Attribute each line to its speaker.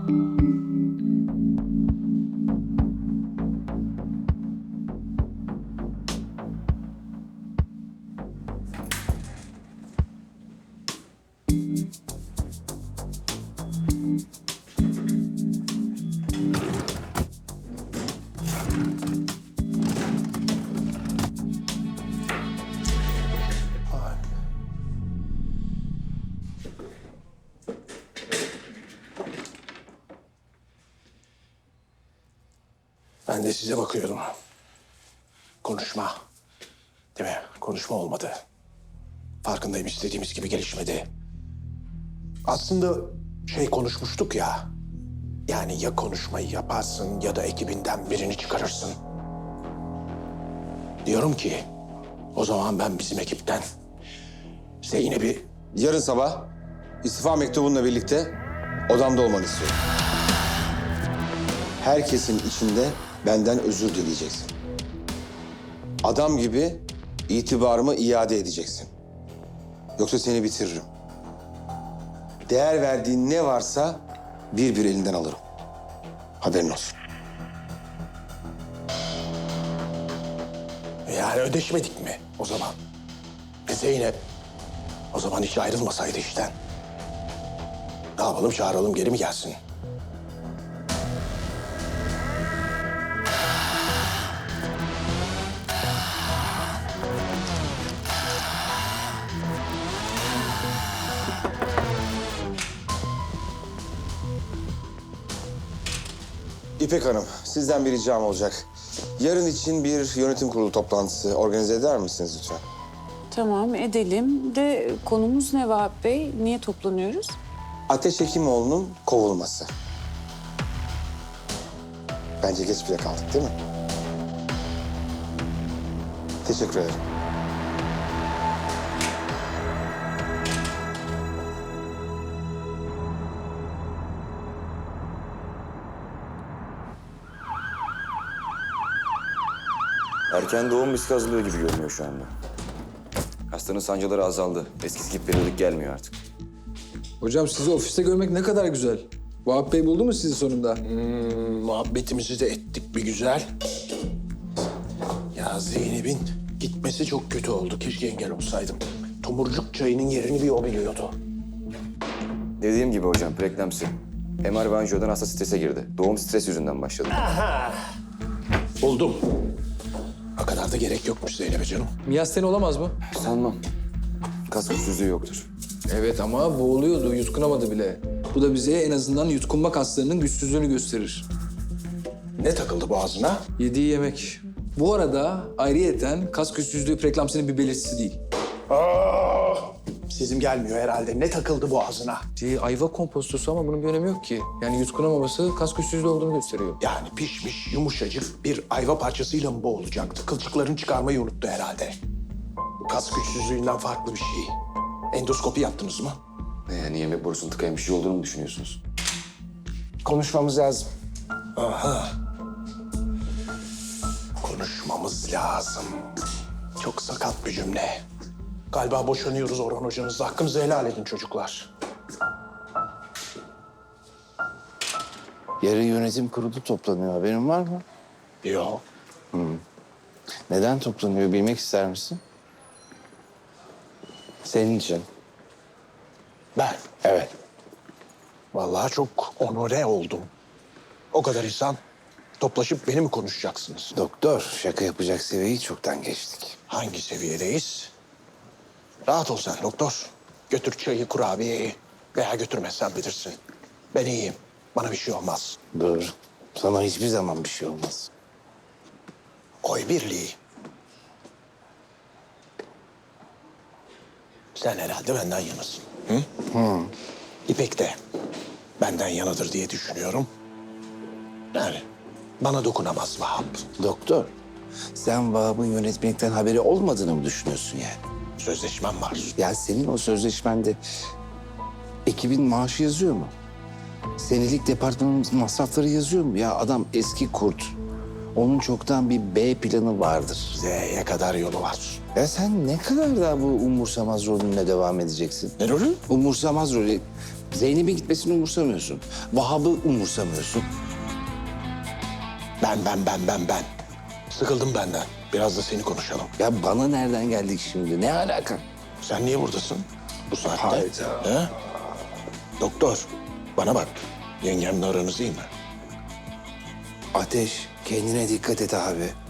Speaker 1: Ben de size bakıyordum. Konuşma. Değil mi? Konuşma olmadı. Farkındayım, istediğimiz gibi gelişmedi. Aslında konuşmuştuk ya. Yani ya konuşmayı yaparsın ya da ekibinden birini çıkarırsın. Diyorum ki o zaman ben bizim ekipten Zeynep'i...
Speaker 2: Yarın sabah istifa mektubunla birlikte odamda olmanı istiyorum. Herkesin içinde benden özür dileyeceksin. Adam gibi itibarımı iade edeceksin. Yoksa seni bitiririm. Değer verdiğin ne varsa bir bir elinden alırım. Haberin olsun.
Speaker 1: Yani ödeşmedik mi o zaman? Zeynep o zaman hiç ayrılmasaydı işten. Ne yapalım, çağıralım geri mi gelsin?
Speaker 2: İpek Hanım, sizden bir ricam olacak. Yarın için bir yönetim kurulu toplantısı organize eder misiniz lütfen?
Speaker 3: Tamam, edelim. De konumuz ne Vahap Bey? Niye toplanıyoruz?
Speaker 2: Ateş Hekimoğlu'nun kovulması. Bence geç bile kaldık değil mi? Teşekkür ederim.
Speaker 4: Erken doğum riski azalıyor gibi görünüyor şu anda. Hastanın sancıları azaldı. Eskisi gibi periyodik gelmiyor artık.
Speaker 5: Hocam sizi ofiste görmek ne kadar güzel. Vahap Bey buldu mu sizi sonunda?
Speaker 1: Muhabbetimizi de ettik bir güzel. Ya Zeynep'in gitmesi çok kötü oldu. Keşke engel olsaydım. Tomurcuk çayının yerini bir o biliyordu.
Speaker 4: Dediğim gibi hocam, preeklemsi. MR ve anjiyodan hasta strese girdi. Doğum stres yüzünden başladı.
Speaker 1: Buldum. O kadar da gerek yokmuş Zeynep'e canım.
Speaker 5: Miyasteni olamaz mı?
Speaker 4: Sanmam. Kas güçsüzlüğü yoktur.
Speaker 5: Evet ama boğuluyordu, yutkunamadı bile. Bu da bize en azından yutkunma kaslarının güçsüzlüğünü gösterir.
Speaker 1: Ne takıldı boğazına?
Speaker 5: Yediği yemek. Bu arada ayrıyeten kas güçsüzlüğü preeklamsinin bir belirtisi değil.
Speaker 1: Sizim gelmiyor herhalde. Ne takıldı boğazına?
Speaker 5: Ayva kompostosu ama bunun bir önemi yok ki. Yani yutkunamaması kas güçsüzlüğü olduğunu gösteriyor.
Speaker 1: Yani pişmiş, yumuşacık bir ayva parçasıyla mı boğulacaktı? Kılçıklarını çıkarmayı unuttu herhalde. Bu kas güçsüzlüğünden farklı bir şey. Endoskopi yaptınız mı?
Speaker 4: Yani yemek borusunun tıkayan bir şey olduğunu mu düşünüyorsunuz?
Speaker 1: Konuşmamız lazım. Aha. Konuşmamız lazım. Çok sakat bir cümle. Galiba boşanıyoruz Orhan hocanızla. Hakkınızı helal edin çocuklar.
Speaker 6: Yarın yönetim kurulu toplanıyor. Haberin var mı?
Speaker 1: Yok.
Speaker 6: Neden toplanıyor bilmek ister misin? Senin için.
Speaker 1: Ben
Speaker 6: Evet.
Speaker 1: vallahi çok onore oldum. O kadar insan toplaşıp beni mi konuşacaksınız?
Speaker 6: Doktor, şaka yapacak seviyeyi çoktan geçtik.
Speaker 1: Hangi seviyedeyiz? Rahat ol sen doktor. Götür çayı, kurabiyeyi. Veya götürmezsen bilirsin. Ben iyiyim. Bana bir şey olmaz.
Speaker 6: Doğru. Sana hiçbir zaman bir şey olmaz.
Speaker 1: Oy birliği. Sen herhalde benden yanasın. Hı? İpek de benden yanadır diye düşünüyorum. Yani bana dokunamaz Vahap.
Speaker 6: Doktor, sen Vahap'ın yönetmelikten haberi olmadığını mı düşünüyorsun yani?
Speaker 1: Sözleşmem var.
Speaker 6: Ya senin o sözleşmende ekibin maaşı yazıyor mu? Senelik departmanın masrafları yazıyor mu? Ya adam eski kurt. Onun çoktan bir B planı vardır.
Speaker 1: Z'ye kadar yolu var.
Speaker 6: Ya sen ne kadar daha bu umursamaz rolünle devam edeceksin?
Speaker 1: Ne rolü?
Speaker 6: Umursamaz rolü. Zeynep'in gitmesini umursamıyorsun. Vahap'ı umursamıyorsun.
Speaker 1: Ben. Sıkıldım benden. Biraz da seni konuşalım.
Speaker 6: Ya bana nereden geldik şimdi? Ne alaka?
Speaker 1: Sen niye buradasın bu saatte?
Speaker 6: Hayda.
Speaker 1: He? Doktor, bana bak. Yengemle aranız iyi mi?
Speaker 6: Ateş, kendine dikkat et abi.